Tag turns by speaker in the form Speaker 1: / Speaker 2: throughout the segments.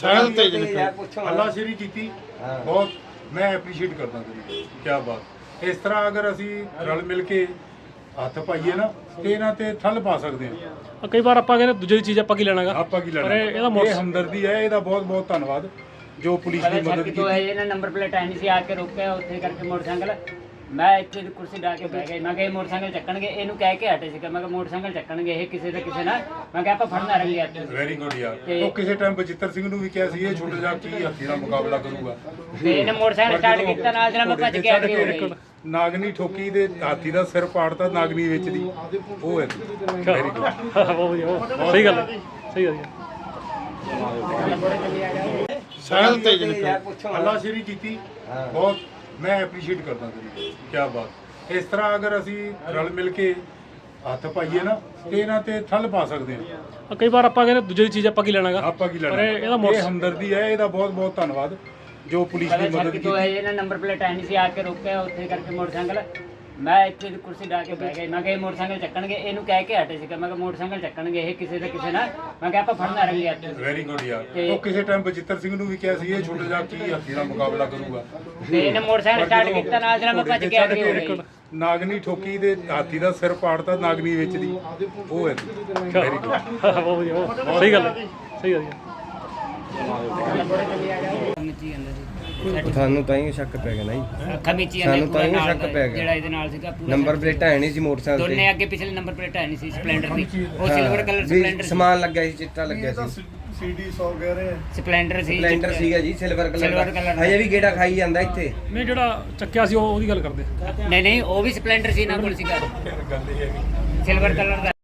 Speaker 1: ਸਹਿਲ ਤੇਜ ਹੱਲਾਸ਼ੇਰੀ ਕੀਤੀ ਬਹੁਤ ਮੈਂ ਐਪਰੀਸ਼ੀਏਟ ਕਰਦਾ ਤੇਰੀ ਕੀ ਬਾਤ। ਇਸ ਤਰ੍ਹਾਂ ਅਗਰ ਅਸੀਂ ਰਲ ਮਿਲ ਕੇ ਹੱਥ ਪਾਈਏ ਨਾ ਤੇ ਇਹਨਾਂ ਤੇ ਠੱਲ ਪਾ ਸਕਦੇ ਹਾਂ।
Speaker 2: ਕਈ ਵਾਰ ਆਪਾਂ ਕਹਿੰਦੇ ਦੂਜੇ ਦੀ ਚੀਜ਼ ਆਪਾਂ ਕੀ ਲੈਣਾਗਾ,
Speaker 1: ਆਪਾਂ ਕੀ ਲੈਣਾ, ਇਹ ਹਮਦਰਦੀ ਹੈ। ਇਹਦਾ ਬਹੁਤ ਬਹੁਤ ਧੰਨਵਾਦ ਜੋ ਪੁਲਿਸ ਦੀ ਮਦਦ ਕੀਤੀ।
Speaker 3: ਇਹਨਾਂ ਨੰਬਰ ਪਲੇਟ ਆਈ ਨਹੀਂ ਸੀ, ਆ ਕੇ ਰੋਕਿਆ ਉੱਥੇ ਕਰਕੇ ਮੋਟਰਸਾਈਕਲ। ਮੈਂ ਇੱਥੇ ਕੁਰਸੀ ਢਾ ਕੇ ਬਹਿ ਗਿਆ। ਮੈਂ ਕਿਹਾ ਇਹ ਮੋਟਰਸਾਈਕਲ ਚੱਕਣਗੇ, ਇਹਨੂੰ ਕਹਿ ਕੇ ਹਟੇ ਸੀਗਾ। ਮੈਂ ਕਿਹਾ ਮੋਟਰਸਾਈਕਲ ਚੱਕਣਗੇ ਇਹ ਕਿਸੇ ਦਾ ਕਿਸੇ ਨਾਲ। ਮੈਂ ਕਿਹਾ ਆਪਾਂ ਫੜਨਾ ਰੰਗੇ ਹੱਥ।
Speaker 1: ਵੈਰੀ ਗੁੱਡ ਯਾਰ। ਉਹ ਕਿਸੇ ਟਾਈਮ ਬਚਿੱਤਰ ਸਿੰਘ ਨੂੰ ਵੀ ਕਿਹਾ ਸੀ ਇਹ ਛੋਟਾ ਜਿਹਾ ਕੀ ਹਾਥੀ ਦਾ ਮੁਕਾਬਲਾ ਕਰੂਗਾ,
Speaker 3: ਤੇ ਇਹਨੇ ਮੋਟਰਸਾਈਕਲ ਸਟਾਰਟ ਕੀਤਾ, ਨਾਲ ਜਰਾ ਮੈਂ ਭੱਜ ਕੇ ਅੱਗੇ ਹੋ ਗਈ।
Speaker 1: ਨਾਗਨੀ ਠੋਕੀ ਦੇ ਹਾਥੀ ਦਾ ਸਿਰ ਪਾੜਤਾ ਨਾਗਨੀ ਵਿੱਚ ਦੀ। ਉਹ ਹੈ ਵੈਰੀ ਗੁੱਡ।
Speaker 2: ਸਹੀ ਗੱਲ ਹੈ, ਸਹੀ ਗੱਲ ਹੈ।
Speaker 1: ਸਹਿਲ ਤੇਜ ਹੱਲਾਸ਼ੇਰੀ ਕੀਤੀ ਬਹੁਤ ਮੈਂ ਐਪਰੀਸ਼ੀਏਟ ਕਰਦਾ ਤੇਰੀ ਕੀ ਬਾਤ। ਇਸ ਤਰ੍ਹਾਂ ਅਗਰ ਅਸੀਂ ਰਲ ਮਿਲ ਕੇ ਹੱਥ ਪਾਈਏ ਨਾ ਤੇ ਇਹਨਾਂ ਤੇ ਠੱਲ ਪਾ ਸਕਦੇ ਹਾਂ।
Speaker 2: ਕਈ ਵਾਰ ਆਪਾਂ ਕਹਿੰਦੇ ਦੂਜੇ ਦੀ ਚੀਜ਼ ਆਪਾਂ ਕੀ ਲੈਣਾਗਾ,
Speaker 1: ਆਪਾਂ ਕੀ ਲੈਣਾ, ਇਹ ਹਮਦਰਦੀ ਹੈ। ਇਹਦਾ ਬਹੁਤ ਬਹੁਤ ਧੰਨਵਾਦ ਜੋ ਪੁਲਿਸ ਦੀ ਮਦਦ ਕੀਤੀ।
Speaker 3: ਇਹਨਾਂ ਨੰਬਰ ਪਲੇਟ ਆਈ ਨਹੀਂ ਸੀ, ਆ ਕੇ ਰੋਕਿਆ ਉੱਥੇ ਕਰਕੇ ਮੋਟਰਸਾਈਕਲ। ਮੈਂ ਇੱਥੇ ਕੁਰਸੀ ਢਾ ਕੇ ਬਹਿ ਗਿਆ। ਮੈਂ ਕਿਹਾ ਇਹ ਮੋਟਰਸਾਈਕਲ ਚੱਕਣਗੇ, ਇਹਨੂੰ ਕਹਿ ਕੇ ਹਟੇ ਸੀਗਾ। ਮੈਂ ਕਿਹਾ ਮੋਟਰਸਾਈਕਲ ਚੱਕਣਗੇ ਇਹ ਕਿਸੇ ਦਾ ਕਿਸੇ ਨਾਲ। ਮੈਂ ਕਿਹਾ ਆਪਾਂ ਫੜਨਾ ਰੰਗੇ ਹੱਥ।
Speaker 1: ਵੈਰੀ ਗੁੱਡ ਯਾਰ। ਉਹ ਕਿਸੇ ਟਾਈਮ ਬਚਿੱਤਰ ਸਿੰਘ ਨੂੰ ਵੀ ਕਿਹਾ ਸੀ ਇਹ ਛੋਟਾ ਜਿਹਾ ਕੀ ਹਾਥੀ ਦਾ ਮੁਕਾਬਲਾ ਕਰੂਗਾ,
Speaker 3: ਤੇ ਇਹਨੇ ਮੋਟਰਸਾਈਕਲ ਸਟਾਰਟ ਕੀਤਾ, ਨਾਲ ਜਰਾ ਮੈਂ ਭੱਜ ਕੇ ਅੱਗੇ ਹੋ ਗਈ।
Speaker 1: ਨਾਗਨੀ ਠੋਕੀ ਦੇ ਹਾਥੀ ਦਾ ਸਿਰ ਪਾੜਤਾ ਨਾਗਨੀ ਵਿੱਚ ਦੀ। ਉਹ ਹੈ ਵੈਰੀ ਗੁੱਡ।
Speaker 2: ਸਹੀ ਗੱਲ ਹੈ, ਸਹੀ ਗੱਲ ਹੈ।
Speaker 4: ਤੁਹਾਨੂੰ ਤਾਂ ਹੀ ਸ਼ੱਕ ਪੈ ਗਿਆ ਨਾ ਜੀ,
Speaker 3: ਅੱਖਾਂ ਵਿੱਚ ਹੀ
Speaker 4: ਸਾਨੂੰ ਤਾਂ ਹੀ ਸ਼ੱਕ ਪੈ ਗਿਆ।
Speaker 3: ਜਿਹੜਾ ਇਹਦੇ ਨਾਲ ਸੀਗਾ ਪੂਰਾ
Speaker 4: ਨੰਬਰ ਪਲੇਟ ਹੈ ਨਹੀਂ ਸੀ ਮੋਟਰਸਾਈਕਲ
Speaker 3: ਦੋਨੇ ਅੱਗੇ ਪਿਛਲੇ ਨੰਬਰ ਪਲੇਟ ਹੈ ਨਹੀਂ ਸੀ ਸਪਲੈਂਡਰ ਦੀ। ਉਹ ਸਿਲਵਰ ਕਲਰ
Speaker 4: ਵੀ
Speaker 3: ਸਪਲੈਂਡਰ
Speaker 4: ਸਮਾਨ ਲੱਗਿਆ ਸੀ, ਚਿੱਟਾ ਲੱਗਿਆ ਸੀ।
Speaker 3: ਸਪਲੈਂਡਰ ਸੀ।
Speaker 4: ਸਪਲੈਂਡਰ ਸੀਗਾ ਜੀ ਸਿਲਵਰ
Speaker 3: Silver
Speaker 4: ਕਲਰ
Speaker 3: colour
Speaker 4: ਦਾ। ਹਜੇ ਵੀ ਗੇੜਾ ਖਾਈ ਜਾਂਦਾ ਇੱਥੇ।
Speaker 2: ਨਹੀਂ ਜਿਹੜਾ ਚੱਕਿਆ ਸੀ ਉਹਦੀ ਗੱਲ ਕਰਦੇ।
Speaker 3: ਨਹੀਂ ਨਹੀਂ, ਉਹ ਵੀ ਸਪਲੈਂਡਰ ਸੀ ਨਾ ਕੋਲ ਸੀਗਾ, ਸਿਲਵਰ ਕਲਰ ਦਾ।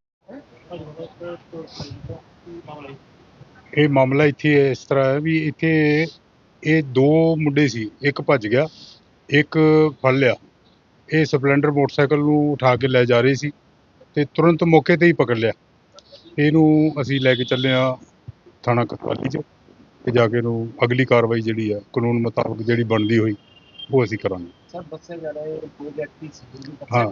Speaker 1: ਇਹ ਮਾਮਲਾ ਇੱਥੇ ਇਸ ਤਰ੍ਹਾਂ ਹੈ ਵੀ ਇੱਥੇ ਇਹ ਦੋ ਮੁੰਡੇ ਸੀ, ਇੱਕ ਭੱਜ ਗਿਆ ਇੱਕ ਫੜ ਲਿਆ। ਇਹ ਸਪਲੈਂਡਰ ਮੋਟਰਸਾਈਕਲ ਨੂੰ ਉਠਾ ਕੇ ਲੈ ਜਾ ਰਹੇ ਸੀ ਤੇ ਤੁਰੰਤ ਮੌਕੇ ਤੇ ਹੀ ਪਕੜ ਲਿਆ। ਇਹਨੂੰ ਅਸੀਂ ਲੈ ਕੇ ਚੱਲੇ ਆ ਥਾਣਾ ਕੋਤਵਾਲੀ 'ਚ ਤੇ ਜਾ ਕੇ ਇਹਨੂੰ ਅਗਲੀ ਕਾਰਵਾਈ ਜਿਹੜੀ ਆ ਕਾਨੂੰਨ ਮੁਤਾਬਕ ਜਿਹੜੀ ਬਣਦੀ ਹੋਈ ਉਹ ਅਸੀਂ ਕਰਾਂਗੇ।
Speaker 5: ਸਰ ਦੱਸਿਆ ਜਾ ਰਿਹਾ ਹੈ ਦੋ ਵਿਅਕਤੀ ਸੀ।
Speaker 1: ਹਾਂ,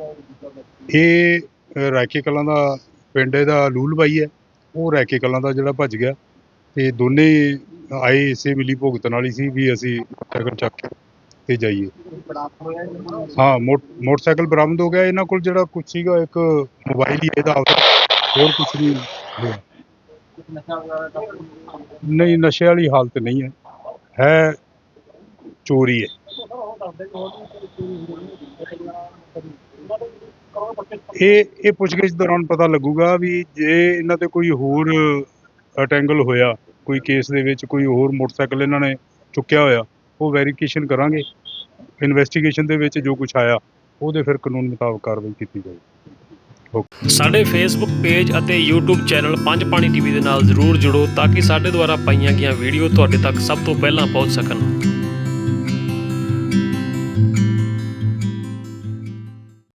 Speaker 1: ਇਹ ਰਾਇਕੇ ਕਲਾਂ ਦਾ ਪਿੰਡ ਇਹਦਾ ਲੂਲ ਬਾਈ ਹੈ। ਉਹ ਰਾਇਕੇ ਕਲਾਂ ਦਾ ਜਿਹੜਾ ਭੱਜ ਗਿਆ ਤੇ ਦੋਨੇ ਆਏ ਇਸੇ ਮਿਲੀ ਭੁਗਤ ਨਾਲ ਹੀ ਸੀ ਵੀ ਅਸੀਂ ਮੋਟਰਸਾਈਕਲ ਚੱਕ ਕੇ ਤੇ ਜਾਈਏ। ਹਾਂ, ਮੋਟਰਸਾਈਕਲ ਬਰਾਮਦ ਹੋ ਗਿਆ। ਇਹਨਾਂ ਕੋਲ ਜਿਹੜਾ ਕੁਛ ਸੀਗਾ ਇੱਕ ਮੋਬਾਈਲ ਹੀ ਇਹਦਾ, ਹੋਰ ਕੁਛ ਨਹੀਂ ਹੋਇਆ। ਨਹੀਂ, ਨਸ਼ੇ ਵਾਲੀ ਹਾਲਤ ਨਹੀਂ ਹੈ ਚੋਰੀ ਹੈ। ਇਹ ਪੁੱਛਗਿੱਛ ਦੌਰਾਨ ਪਤਾ ਲੱਗੂਗਾ ਵੀ ਜੇ ਇਹਨਾਂ ਤੇ ਕੋਈ ਹੋਰ ਅਟੈਂਗਲ ਹੋਇਆ, ਕੋਈ ਕੇਸ ਦੇ ਵਿੱਚ ਕੋਈ ਹੋਰ ਮੋਟਰਸਾਈਕਲ ਇਹਨਾਂ ਨੇ ਚੁੱਕਿਆ ਹੋਇਆ, ਉਹ ਵੈਰੀਫਿਕੇਸ਼ਨ ਕਰਾਂਗੇ। ਇਨਵੈਸਟੀਗੇਸ਼ਨ ਦੇ ਵਿੱਚ ਜੋ ਕੁਛ ਆਇਆ ਉਹਦੇ ਫਿਰ ਕਾਨੂੰਨ ਮੁਤਾਬਕ ਕਾਰਵਾਈ ਕੀਤੀ ਜਾਵੇਗੀ।
Speaker 2: ਸਾਡੇ ਫੇਸਬੁੱਕ ਪੇਜ ਅਤੇ YouTube channel Panj Pani TV ਦੇ ਨਾਲ ਜ਼ਰੂਰ ਜੁੜੋ ਤਾਂ ਕਿ ਸਾਡੇ ਦੁਆਰਾ ਪਾਈਆਂ ਗਈਆਂ ਵੀਡੀਓ ਤੁਹਾਡੇ ਤੱਕ ਸਭ ਤੋਂ ਪਹਿਲਾਂ ਪਹੁੰਚ ਸਕਣ।